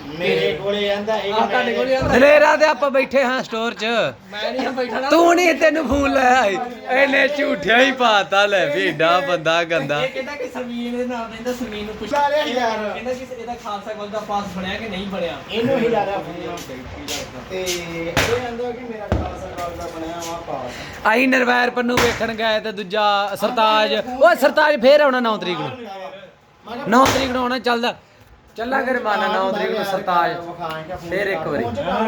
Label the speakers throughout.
Speaker 1: ਮੇਰੇ ਕੋਲੇ ਆਂਦਾ ਇਹ
Speaker 2: ਤੁਹਾਡੇ ਕੋਲ ਹੀ ਆਂਦਾ
Speaker 3: ਦਲੇਰਾ ਤੇ ਆਪਾਂ ਬੈਠੇ ਹਾਂ ਸਟੋਰ 'ਚ
Speaker 2: ਮੈਂ ਨਹੀਂ ਬੈਠਾ
Speaker 3: ਤੂੰ ਨਹੀਂ ਤੈਨੂੰ ਫੋਨ ਲਾਇਆ ਇਹਨੇ ਝੂਠਿਆ ਹੀ ਪਾਤਾ ਲੈ ਵੀ ਏਡਾ ਬੰਦਾ ਗੰਦਾ
Speaker 2: ਇਹ ਕਹਿੰਦਾ ਕਿ ਸਮੀਨ ਦੇ ਨਾਮ ਰਹਿੰਦਾ ਸਮੀਨ ਨੂੰ ਪੁੱਛ
Speaker 1: ਲਾ ਲਿਆ ਯਾਰ।
Speaker 2: ਕਹਿੰਦਾ ਕਿ ਇਹਦਾ ਖਾਲਸਾ ਕਾਲਜ ਦਾ ਪਾਸ ਬਣਿਆ ਕਿ ਨਹੀਂ ਬਣਿਆ
Speaker 1: ਇਹਨੂੰ ਹੀ ਲਾ ਰਿਹਾ ਫੋਨ ਤੇ ਇਹ ਆਂਦਾ ਕਿ ਮੇਰਾ ਖਾਲਸਾ ਕਾਲਜ ਦਾ ਬਣਿਆ ਵਾ ਪਾਸ।
Speaker 3: ਅਸੀਂ ਨਿਰਵੈਰ ਪੰਨੂ ਵੇਖਣ ਗਏ ਤੇ ਦੂਜਾ ਸਰਤਾਜ ਓਏ ਸਰਤਾਜ ਫੇਰ ਆਉਣਾ 9 ਤਰੀਕ ਨੂੰ 9 ਤਰੀਕ ਨੂੰ ਆਉਣਾ ਚੱਲਦਾ ਚੱਲਾ ਕਰ ਮਾਨਾ 9 ਤਰੀਕ ਨੂੰ ਸਰਤਾਜ ਫੇਰ ਇੱਕ ਵਾਰੀ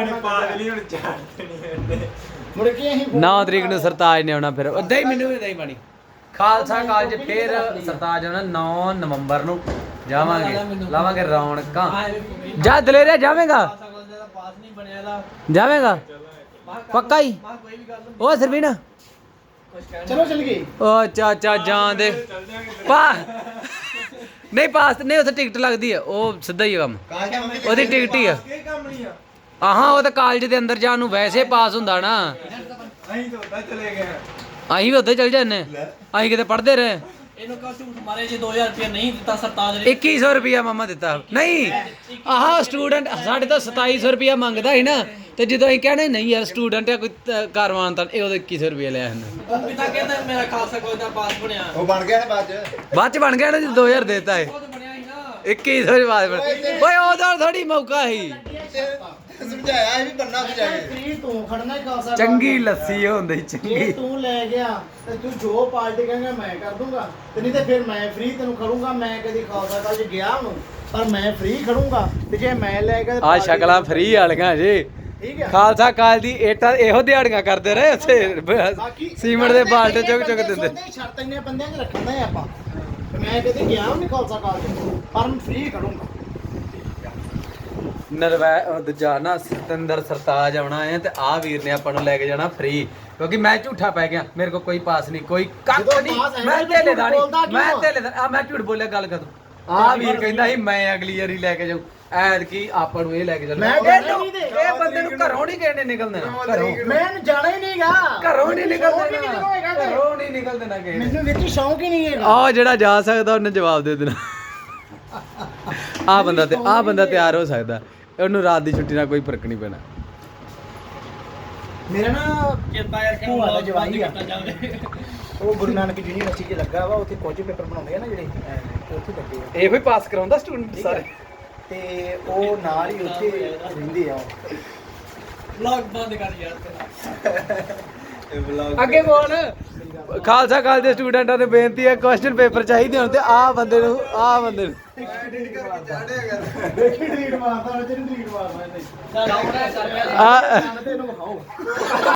Speaker 1: ਮੁੜ ਕੇ ਅਸੀਂ
Speaker 3: 9 ਤਰੀਕ ਨੂੰ ਸਰਤਾਜ ਨੇ ਆਉਣਾ ਫਿਰ ਉਦਾਂ ਹੀ ਮੈਨੂੰ ਵੀ ਨਹੀਂ ਬਣੀ ਖਾਲਸਾ ਕਾਲਜ ਫੇਰ ਸਰਤਾਜ ਆਉਣਾ 9 ਨਵੰਬਰ ਨੂੰ ਜਾਵਾਂਗੇ ਲਾਵਾਂਗੇ ਰੌਣਕਾਂ ਜਾ ਦਲੇਰੇ ਜਾਵੇਂਗਾ
Speaker 2: ਖਾਲਸਾ ਕਾਲਜ ਦਾ ਪਾਸ ਨਹੀਂ ਬਣਿਆ ਦਾ
Speaker 3: ਜਾਵੇਂਗਾ ਪੱਕਾ ਹੀ
Speaker 2: ਕੋਈ ਵੀ ਗੱਲ
Speaker 3: ਓ ਸਰਵੀਨਾ
Speaker 2: ਕੁਝ ਕਹਿਣਾ
Speaker 1: ਚਲੋ ਚੱਲ ਗਏ।
Speaker 3: ਓ ਚਾਚਾ ਜਾਣ ਦੇ ਪਾ ਨਹੀਂ ਪਾਸ ਨਹੀਂ ਉੱਥੇ ਟਿਕਟ ਲੱਗਦੀ ਆ ਉਹ ਸਿੱਧਾ ਹੀ ਆ ਕੰਮ ਉਹਦੀ ਟਿਕਟ ਹੀ ਆ ਆਹਾਂ ਉਹ ਤਾਂ ਕਾਲਜ ਦੇ ਅੰਦਰ ਜਾਣ ਨੂੰ ਵੈਸੇ ਪਾਸ ਹੁੰਦਾ ਨਾ ਅਸੀਂ ਵੀ ਉੱਥੇ ਚਲ ਜਾਂਦੇ ਅਸੀਂ ਕਿਤੇ ਪੜ੍ਹਦੇ ਰਹੇ
Speaker 2: ਇਹਨੂੰ ਕਹੋ ਝੂਠ ਮਾਰੇ ਜੇ 2000 ਰੁਪਏ ਨਹੀਂ ਦਿੱਤਾ ਸਰਤਾਜ ਨੇ
Speaker 3: 2100 ਰੁਪਿਆ ਮਾਮਾ ਦਿੱਤਾ ਨਹੀਂ ਆਹ ਸਟੂਡੈਂਟ ਸਾਡੇ ਤੋਂ 2700 ਰੁਪਿਆ ਮੰਗਦਾ ਸੀ ਨਾ ਤੇ ਜਦੋਂ ਅਸੀਂ ਕਹਿੰਦੇ ਨਹੀਂ ਯਾਰ ਸਟੂਡੈਂਟ ਆ ਕੋਈ ਕਾਰਵਾਨ ਤਾਂ ਇਹ ਉਹਦੇ 2100 ਰੁਪਿਆ ਲਿਆ ਹਨ
Speaker 2: ਉਹ ਪਿਤਾ ਕਹਿੰਦਾ ਮੇਰਾ ਖਾਲਸਾ ਕਾਲਜ ਦਾ ਪਾਸ ਬਣਿਆ
Speaker 4: ਉਹ ਬਣ ਗਿਆ ਨੇ ਬਾਅਦ ਚ
Speaker 3: ਬਣ ਗਿਆ ਨਾ ਜੀ 2000 ਦੇਤਾ ਹੈ
Speaker 2: ਉਹ ਤਾਂ ਬਣਿਆ ਹੀ ਨਾ
Speaker 3: 2100 ਦੇ ਬਾਅਦ ਓਏ ਉਹਦਾ ਥੋੜੀ ਮੌਕਾ ਸੀ
Speaker 4: ਸਮਝਾਇਆ ਇਹ ਵੀ ਬੰਨਾ ਸੀ ਜਾ ਕੇ
Speaker 1: ਫ੍ਰੀ ਤੂੰ ਖੜਨਾ ਹੀ ਖਾਲਸਾ ਕਾਲਜ
Speaker 3: ਚੰਗੀ ਲੱਸੀ ਹੁੰਦੀ
Speaker 1: ਜੇ
Speaker 3: ਚੰਗੀ
Speaker 1: ਤੂੰ ਲੈ ਗਿਆ ਤੇ ਤੂੰ ਜੋ ਪਾਰਟੀ ਕਹੇਂਗਾ ਮੈਂ ਕਰ ਦੂੰਗਾ ਤੇ ਨਹੀਂ ਤੇ ਫਿਰ ਮੈਂ ਫ੍ਰੀ ਤੈਨੂੰ ਖੜੂੰਗਾ। ਮੈਂ ਕਦੀ ਖਾਲਸਾ ਕਾਲਜ ਗਿਆ ਹੁਣ ਪਰ ਮੈਂ ਫ੍ਰੀ ਖੜੂੰਗਾ ਤੇ ਜੇ ਮੈਂ ਲੈ ਗਿਆ
Speaker 3: ਆ ਸ਼ਕਲਾਂ ਫ੍ਰੀ ਵਾਲੀਆਂ ਜੀ
Speaker 1: ਠੀਕ ਹੈ।
Speaker 3: ਖਾਲਸਾ ਕਾਲ ਦੀ ਏਟਾ ਇਹੋ ਦਿਹਾੜੀਆਂ ਕਰਦੇ ਰਹੇ ਉੱਥੇ ਸੀਮੈਂਟ ਦੇ ਬਾਲਟੇ ਚੁੱਕ ਚੁੱਕ ਦਿੰਦੇ
Speaker 1: ਸ਼ਰਤ ਇੰਨੇ ਬੰਦਿਆਂ 'ਚ ਰੱਖਣਾ ਹੈ ਆਪਾਂ ਤੇ ਮੈਂ ਕਦੀ ਗਿਆ ਨਹੀਂ ਖਾਲਸਾ ਕਾਲਜ ਪਰ ਮੈਂ ਫ੍ਰੀ ਖੜੂੰਗਾ।
Speaker 3: ਨਰਵੈ ਦੂਜਾ ਨਾ ਸਤਿੰਦਰ ਸਰਤਾਜ ਆਉਣਾ ਹੈ ਤੇ ਆ ਵੀਰ ਨੇ ਆਪਾਂ ਨੂੰ ਲੈ ਕੇ ਜਾਣਾ ਫ੍ਰੀ ਕਿਉਂਕਿ ਮੈਂ ਝੂਠਾ ਪੈ ਗਿਆ ਮੇਰੇ ਕੋਲ ਕੋਈ ਪਾਸ ਨਹੀਂ ਕੋਈ ਕੱਖ
Speaker 1: ਜਦੋਂ
Speaker 3: ਨਹੀਂ
Speaker 1: ਪਾਸ ਹੈ
Speaker 3: ਮੈਂ
Speaker 1: ਤਾਂ
Speaker 3: ਤੇਲੇ
Speaker 1: ਝੂਠ
Speaker 3: ਦਾ ਨਹੀਂ
Speaker 1: ਬੋਲਦਾ ਕਿਉਂ?
Speaker 3: ਮੈਂ ਤੇਲੇ ਦਾ ਆ ਮੈਂ ਝੂਠ ਬੋਲਿਆ ਗੱਲ ਕਰ ਆ ਵੀਰ ਕਹਿੰਦਾ ਸੀ ਮੈਂ ਅਗਲੀ ਵਾਰੀ ਲੈ ਕੇ ਜਾਊ ਐਦ ਕੀ ਆਪਾਂ ਨੂੰ ਇਹ ਲੈ ਕੇ ਚੱਲਣਾ
Speaker 1: ਮੈਂ ਜਾਣਾ ਨਹੀਂ ਤੇ।
Speaker 3: ਇਹ ਬੰਦੇ ਨੂੰ ਘਰੋਂ ਨਹੀਂ ਕਿਹਨੇ ਨਿਕਲ ਦੇਣਾ ਘਰੋਂ
Speaker 1: ਮੈਂ ਜਾਣਾ ਹੀ ਨਹੀਂਗਾ
Speaker 3: ਘਰੋਂ ਨਹੀਂ ਨਿਕਲ
Speaker 1: ਸ਼ੌਕ ਹੀ ਨਹੀਂ
Speaker 3: ਦੇਣਾ
Speaker 1: ਹੋਏਗਾ ਤੇ।
Speaker 3: ਘਰੋਂ ਨਹੀਂ ਨਿਕਲ ਦੇਣਾ ਕਿਸੇ ਨੇ
Speaker 1: ਮੈਨੂੰ ਵਿੱਚ ਸ਼ੌਂਕ ਹੀ ਨਹੀਂ ਹੈਗਾ।
Speaker 3: ਆ ਜਿਹੜਾ ਜਾ ਸਕਦਾ ਉਹਨੇ ਜਵਾਬ ਦੇ ਦੇਣਾ ਆ ਬੰਦਾ ਤਿਆਰ ਹੋ ਸਕਦਾ ਉਹਨੂੰ ਰਾਤ ਦੀ ਛੁੱਟੀ ਨਾਲ ਕੋਈ ਫਰਕ ਨਹੀਂ ਪੈਣਾ
Speaker 1: ਮੇਰਾ ਨਾ
Speaker 2: ਕਿਰਪਾ ਕਰਕੇ
Speaker 1: ਭੂਆ ਦਾ ਜਵਾਈ ਆ।
Speaker 2: ਕੀਤਾ ਜਾਵੇ
Speaker 1: ਉਹ ਗੁਰੂ ਨਾਨਕ ਯੂਨੀਵਰਸਿਟੀ 'ਚ ਲੱਗਾ ਵਾ ਉੱਥੇ ਕੁਝ ਪੇਪਰ ਬਣਾਉਂਦੇ ਆ ਨਾ ਜਿਹੜੇ ਉੱਥੇ ਲੱਗੇ ਆ
Speaker 3: ਇਹੋ ਹੀ ਪਾਸ ਕਰਾਉਂਦਾ ਸਟੂਡੈਂਟ ਸਾਰੇ
Speaker 1: ਤੇ ਉਹ ਨਾਲ ਹੀ ਉੱਥੇ ਰਹਿੰਦੇ ਆ ਉਹ।
Speaker 2: ਵਲੌਗ ਬੰਦ ਕਰ ਯਾਰ
Speaker 3: ਅੱਗੇ ਬੋਲ ਖਾਲਸਾ ਕਾਲਜ ਦੇ ਸਟੂਡੈਂਟਾਂ ਨੂੰ ਬੇਨਤੀ ਹੈ ਕੁਐਸਚਨ ਪੇਪਰ ਚਾਹੀਦੇ ਹੁਣ ਤੇ ਆਹ ਬੰਦੇ ਨੂੰ
Speaker 1: ਦੇਖੀ ਡਿਲੀਟ ਮਾਰਦਾ ਉਹ ਜਿਹੜੀ ਡਿਲੀਟ ਮਾਰਦਾ ਇਹਨੇ
Speaker 2: ਡਾਊਨ ਹੈ ਕਰ
Speaker 3: ਆ
Speaker 1: ਤੈਨੂੰ ਵਿਖਾਓ